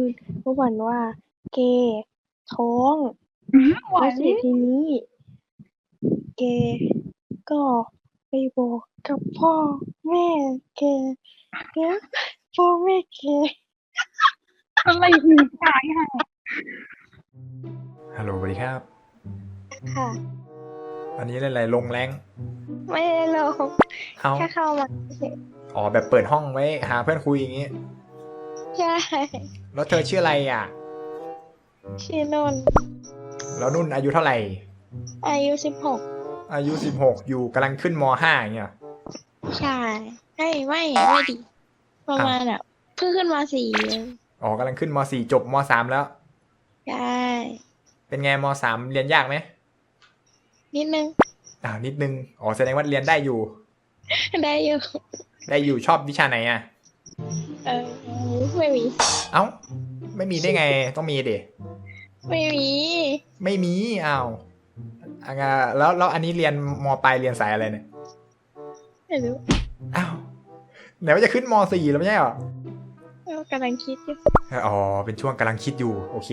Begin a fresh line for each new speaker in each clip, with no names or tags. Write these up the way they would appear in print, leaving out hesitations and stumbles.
เมื่อวันว่าเกย์ท้อง
หวา
แล้
น
วเสร็จทีนี้เกย์ก็ไปบอกกับพ่อแม่เกย์แล้วพ่อแม่เกย์
อะไรอีกตายห่า
ฮัลโหลสวัสดีครับ
ค่ะ
อันนี้เล่นอะไรลงแรง
ไม่ได้ลง
เอา
แค่เข้ามาเฉย
อ๋อแบบเปิดห้องไว้หาเพื่อนคุยอย่างงี้
ใช่
แล้วเธอชื่ออะไรอ่ะ
ชื่อนนท์
แล้วนุ่นอายุเท่าไหร่
อายุ16
อายุ16อยู่กำลังขึ้นม5อย่างเงี้ย
ใช่ไม่ดิประมาณแบบเพิ่งขึ้นมา4เอง
อ๋อกำลังขึ้นม4จบม3แล้ว
ใช่
เป็นไงม3เรียนยากไหม
นิดนึง
นิดนึง อ๋อแสดงว่าเรียนได้อยู่
ได้อยู่
ได้อยู่ชอบวิชาไหนอ่ะ
เออไม่มี
เอ้า ไม่มีได้ไง ต้องมีดิ
ไม่มี
ไม่มีอ้าวแล้วอันนี้เรียนมปลายเรียนสายอะไรเนี่ย
ไม่รู้
อ้าวไหนว่าจะขึ้นม4แล้วไม่ใช่เหรอ
กำลังคิดอยู่
อ๋อ เป็นช่วงกำลังคิดอยู่ โอเค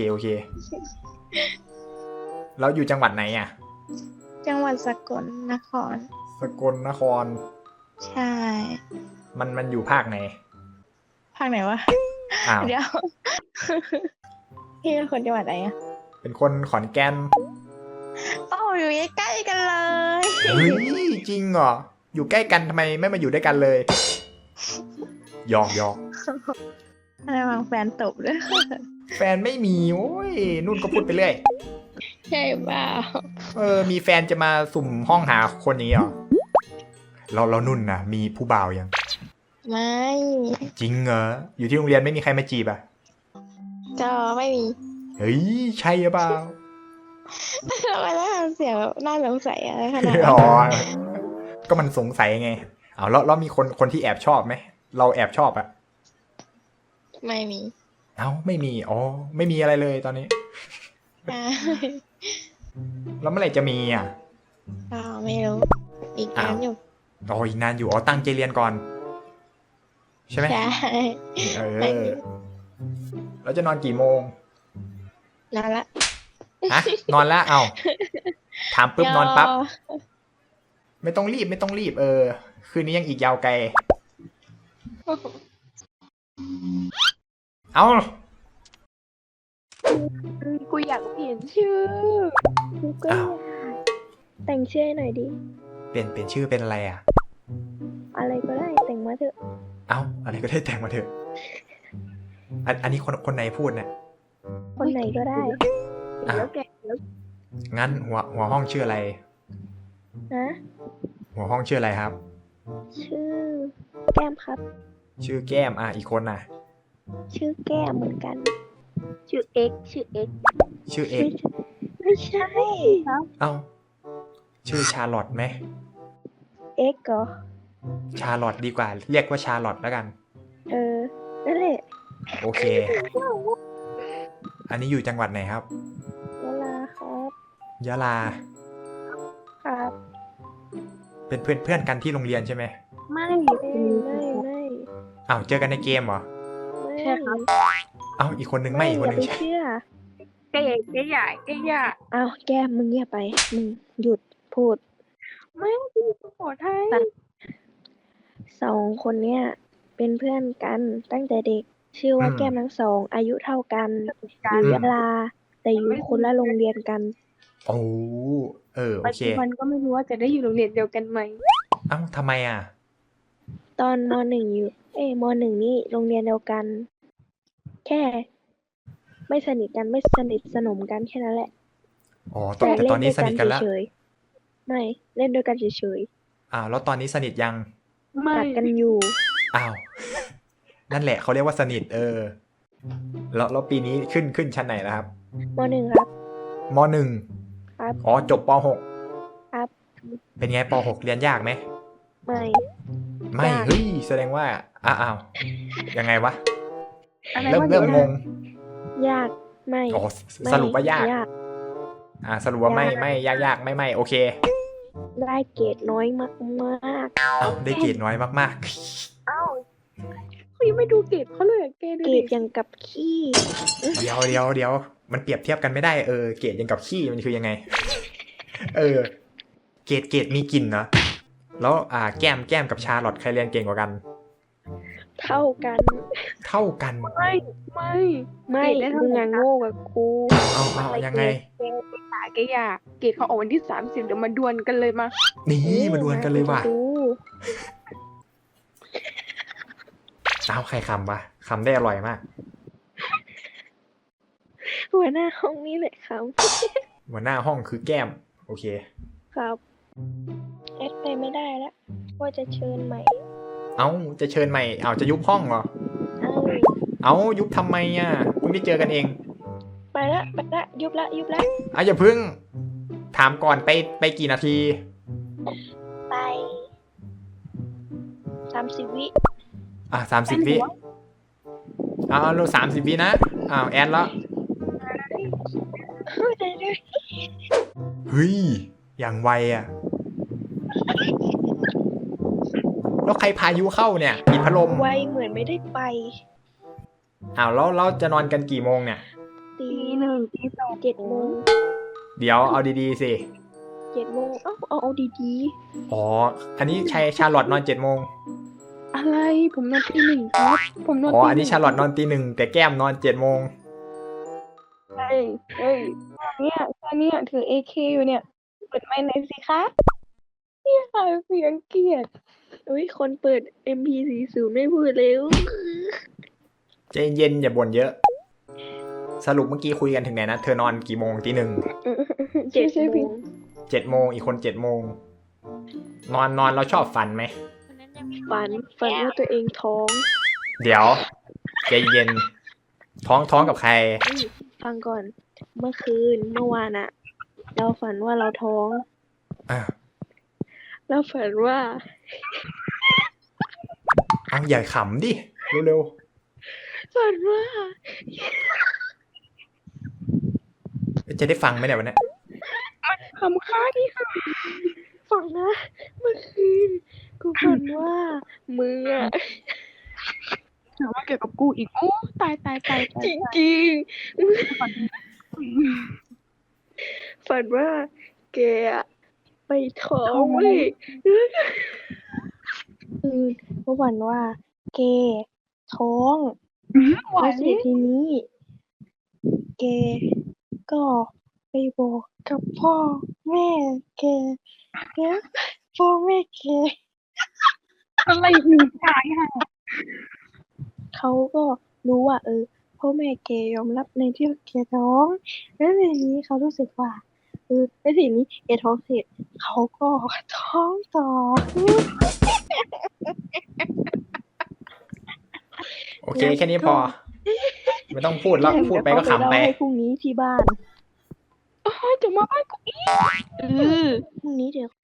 แล้วอยู่จังหวัดไหนอ่ะ
จังหวัดสกลนคร
สกลนคร
ใช่
มันอยู่ภาคไหน
ภาคไหนวะ
อ้าว
เดี๋ยว พี่เป็นคนจังหวัดไหนอะ
เป็นคนขอนแก่น
โอ้อยู่ใกล้ๆกันเลย
เฮ้ย จริงเหรอ อยู่ใกล้กันทำไมไม่มาอยู่ด้วยกันเลยหยอก
อะไรวางแฟนตบด้วย
แฟนไม่มี โอ้ย นุ่นก็พูดไปเรื่อย
ใช่เปล่า
มีแฟนจะมาสุ่มห้องหาคนอย่างนี้เหรอ เรานุ่นนะมีผู้บ่าวยัง
ไม่
จริงเหรอ อยู่ที่โรงเรียนไม่มีใครมาจีบอ่ะ
ก็ไม่มี
เฮ้ย ใช่หรือเปล่า
ทำไมต้องทำเสียงแบบน่าสงสัยอะไรขนาดนั้น
อ๋อ ก็มันสงสัยไงเอาแล้วมีคนที่แอบชอบไหม เราแอบชอบอะ
ไม่มี
เอ้าไม่มี อ๋อ ไม่มีอะไรเลยตอนนี้
อ่า
แล้วเมื่อไหร่จะมีอ่ะ
ก็ไม่รู้อีกนานอยู่
อ๋ออีกนานอยู่ อ๋อ ตั้งใจเรียนก่อน ใช่ไหม
ใช่
เออ แล้วจะนอนกี่โมง
นานละ
ฮะ นอนแล้ว เอาถามปุ๊บนอนปั๊บ
ย
ไม่ต้องรีบ คืนนี้ยังอีกยาวไกล เอา
กูอยากเปลี่ยนชื่อกูก็อยากแต่งชื่อให้หน่อยดิ
เปลี่ยนชื่อเป็นอะไรอ่ะ
อะไรก็ได้แต่งมาเถอะ
เอาอะไรก็ได้แต่งมาเถอะ อันนี้คนไหนพูดเนี่ย
คนไหนก็ได้
อ่ะ
แล้วแกแล้ว
งั้นหัวห้องชื่ออะไร
นะ
หัวห้องชื่ออะไรครับ
ชื่อแก้มครับ
ชื่อแก้ม อีกคนน่ะ
ชื่อแก้มเหมือนกัน ชื่อเอ็กชื่อเอ็ก
ชื่อเอก
ไม่ใช่
เอ้า ชื่อชาร์ลอตไหม
เอ็กเหรอ
ชาร์ลอตดีกว่า เรียกว่าชาร์ลอตแล้วกัน
นั่นแหละ
โอเค อันนี้อยู่จังหวัดไหนครับ
เวลาครับ
ยะลา
ครับ
เป็นเพื่อนกันที่โรงเรียนใช่ไหม
ไม่ไม่
อ้าวเจอกันในเกมเหรอ
ใช่ครับ
เอ้าอีกคนนึงไม่อีกคนนึง
อย่า
ใช่
ไปเชื่อ
แกใหญ่
เอาแก้มมึงเงียบไปมึงหยุดพูด
ไม่กูขอไทย
2 คนเนี้ยเป็นเพื่อนกันตั้งแต่เด็ก ชื่อว่าแก้มทั้งสอง อายุเท่ากันอยู่ยะลา แต่อยู่คนละโรงเรียนกัน
โอ้โอ
ปัจ
เค
จุบันก็ไม่รู้ว่าจะได้อยู่โรงเรียนเดียวกันไหม
เอ้าทำไมอ่ะ
ตอนม .1 อยู่ม .1 นี่โรงเรียนเดียวกัน แค่ไม่สนิทกันไม่สนิทสนมกันแค่นั้นแหละ
อ๋อแต่ตอนนี้สนิทกันแล้ว
เฉยๆไม่เล่นด้วยกันเฉย
อ้าวแล้วตอนนี้สนิทยัง
ๆ
ไม่
กัดกันอยู่
อ้าว นั่นแหละเขาเรียกว่าสนิทแล้วปีนี้ขึ้นชั้นไหนแล้วครับ
ม .1 ครับ
มหนึ่ง
ครับ
อ๋อจบปหก
ครับ
เป็นไงปหกเรียนยากไหม
ไม่
ไม่
ยาก
เฮ้ยแสดงว่าอ้าวยังไงวะ
อะไร
เริ่ม
ว่า
เริ่มงง
ยากไม่
อ๋อ
ไม่
สรุปว่ายาก
ยาก
สรุปว่าไม่
ยาก
ไม่ยากไม่โอเค
ได้เกรดน้อยมาก
เอ้าได้เกรดน้อยมาก
เอ้าคุยไม่ดูเกรดเขาเลยอะแกดู
เกร
ดิ
ดอย่างกับขี้
เดี๋ยวมันเปรียบเทียบกันไม่ได้เกรดยังกับขี้มันคือยังไง เกรดมีกลิ่นเนาะแล้วแก้มกับชาลอตใครเรียนเก่งกว่ากัน
เท่ากัน
เท่ากัน
ไม่
ไม่
เกรดได้เท่า
มึง
กั
อะ
น
โง่กับกู
เอายังไง
แกอยากเกรดเขาออกวันที่30เดี๋ยวมาดวลกันเลยมา
นี่มาดวลกันเลยว่ะ
ดู
เอาใครคำวะคำได้อร่อยมาก
หัวหน้าห้องนี้เลยครับ
หัวหน้าห้องคือแก้ม โอเค
ครับแอดไปไม่ได้แล้วว่าจะเชิญใหม่
เอาจะเชิญใหม่เอาจะยุบห้องเหรอ
เอ้า
เอายุบทำไมอ่ะเพิ่งได้เจอกันเอง
ไปละยุบละ
อย่าเพิ่งถามก่อนไปกี่นาที
ไป30 วิ
30 วิเอาเรา30 วินะแอนแล้ว
ได้ด้วย
เฮ้ยอย่างไวอ่ะแล้วใครพายุเข้าเนี่ยปิดพัดลม
ไวเหมือนไม่ได้ไป
แล้วเราจะนอนกันกี่โมงเนี่ย
ตี
ตี 1 ตี 2
7 โมง
เดี๋ยวเอาดีๆสิ
7 โมงเอาดี
อ๋ออันนี้ชาลอตนอน7 โมง
อะไรผมนอนตี 1ครับผมนอน
อ๋อ
ตี
อันนี้ชาลอตนอนตี 1แต่แก้มนอน7 โมง
เฮ้ยเนี่ยถือ AK อยู่เนี่ยเปิดไมค์หน่อยสิคะเนี่ยค่ะเสียงเกลียด
ๆอุ้ยคนเปิด MP40 ไม่พูดเร็ว
ใจเย็นอย่าบ่นเยอะ สรุปเมื่อกี้คุยกันถึงไหนนะเธอนอนกี่โมงตี 1
7 โมง
7 โมงอีกคน7 โมงนอนเราชอบฝันไหม
ฝันว่าตัวเองท้อง
เดี๋ยวใจเย็นท้องกับใคร
ฟังก่อน เมื่อวานอะเราฝันว่าเราท้อง
อ่ะ
เราฝันว่า
เอาอย่าขำดิเร็ว
ฝันว่า
ๆจะได้ฟังไหมเนี่ยวันนี้
คำค้าที่ค่ะ
ฝันนะ เมื่อคืนกูฝันว่ามึงอะ
ถามว่าเกี่ยวกับกูอีกโอ้ตาย
จริงๆฝันว่าแกอะไปท้องเว้ยก็ฝันว่าแกท้อง
หวา
แล้
น
วเสร็จทีนี้แกก็ไปบอกกับพ่อแม่แกแล้วพ่อแม่แก
อะไรหนึ่งตายค่ะ
เขาก็รู้ว่าพ่อแม่แกยอมรับในที่แกท้องแล้วทีนี้เขารู้สึกว่าแล้วทีนี้แกท้องเสร็จเขาก็ท้องต่อ
โอเคแค่นี้พอ ไม่ต้องพูดแล้วพูดไปก็ขำไป
เดี๋ยวเขาเล่าให้พรุ่งนี้ที่บ้าน
จะมาบ้านกูอีก
พรุ่งนี้เดี๋ยว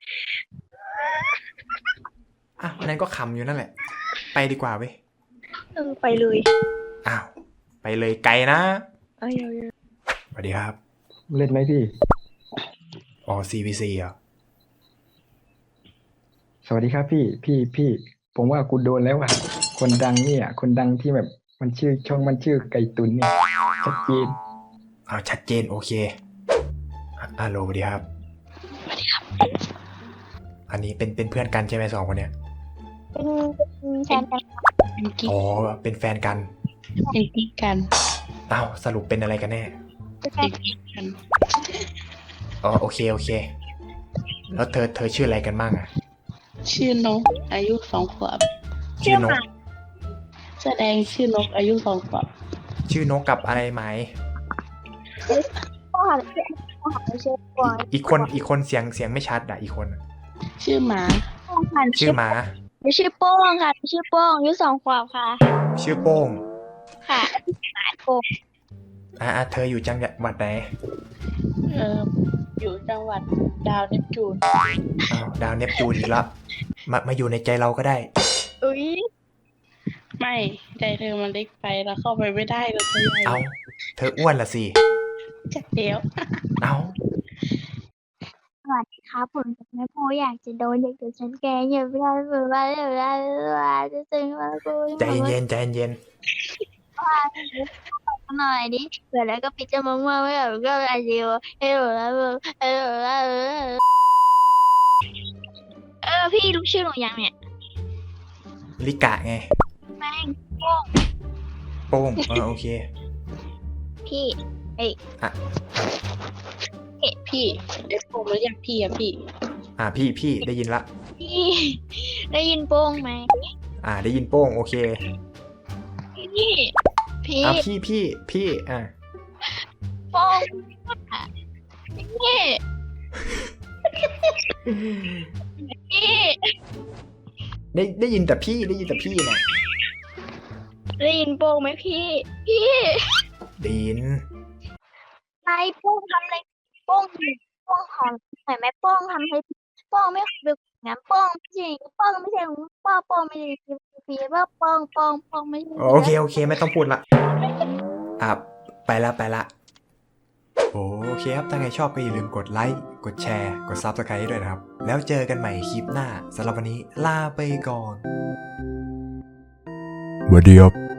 อันนั้นก็ขำอยู่นั่นแหละ ไปดีกว่าเว้ย
ไปเลย
อ้าวไปเลยไกลนะ
เอาเยอะ
สวัสดีครับ
เล่นไหมพี่
อ๋อ CVC เหรอ
สวัสดีครับพี่ ผมว่ากูโดนแล้วอ่ะ คนดังเนี่ย คนดังที่แบบมันช่องมันชื่อไก่ตุนเนี่ยชัดเจน
ชัดเจนโอเคฮัลโหลสวัสดีครับ อันนี้เป็นเพื่อนกันใช่ไหม2 คนเนี่ย
เป็นแฟนกัน
เป็นกิ๊ก
อ๋อ เป็นแฟนกัน
เป็นกิ๊กกัน
อ้าวสรุปเป็นอะไรกันแน่
เป็นกิ๊กกัน
อ๋อโอเค แล้วเธอชื่ออะไรกันบ้างอะ
ชื่อนกอายุ2 ขวบ
ชื่อนก
แสดงชื่อนกอายุ2 ขวบ
ชื่อนกกับอะไรไหม
พ่อไม่ใช่ปอย
อีกคนเสียงไม่ชัดอ่ะอีกคนอะ
ชื่อหมา
ชื่อหมา
ไม่ใช่โป้งค่ะไม่ใช่โป้งอายุ2 ขวบค่ะ
ชื่อโป้ง
ค่ะหมาโป้ง
เธออยู่จังหวัดไหน
อยู่จังหวัดดาวเนปจูน
อ้าวดาวเนปจูนอีกแล้วมาอยู่ในใจเราก็ได้
อุ้ย
ไม่ใจเธอมันเล็กไปแล้วเข้าไปไม่ได้เราตัวใหญ่
เอาเธออ้วนละสิ
จัดเดียว
เอา
สวัสดี
ครับผมจะไม่พออยากจะโดนเด็กๆฉันแกล้งอย่าไปทำแบบว่าจะซึ้งว่ากู
ใจเย็นใจเย็น
หน่อยดิเผื่อแล้วก็ปิดจมูกมาไม่แบบก็อะไรดีวะเออพี่รู้ชื่อหนูยังเนี่ย
ลิกะไง
แม่ง
โป้งโอเค
พี่
อ่ะ
พี่เดี๋ยวผมเรียกพี่อะพี่
พี่ได้ยินละ
พี่ได้ยินโป้งไหม
ได้ยินโป้งโอเค
พี่
พี่
โป้งพี่พี่
ได้ยินแต่พี่นะ
ได้ยินโป้งไหมพี่
ได้ยิน
นายโป้งทำอะไรโป้งหอมหน่อยไหมโป้งทำให้โป้งไม่เคยเป็นอย่างนั้นโป้งไม่ใช่ของป้าโป้งไม่ใช่พี่ว่าโป้งไม่ใช่
โอเคไม่ต้องพูดละไปละโอเคครับถ้าใครชอบก็อย่าลืมกดไลค์กดแชร์กด Subscribe ให้ด้วยนะครับแล้วเจอกันใหม่คลิปหน้าสำหรับวันนี้ลาไปก่อนสวัสดีครับ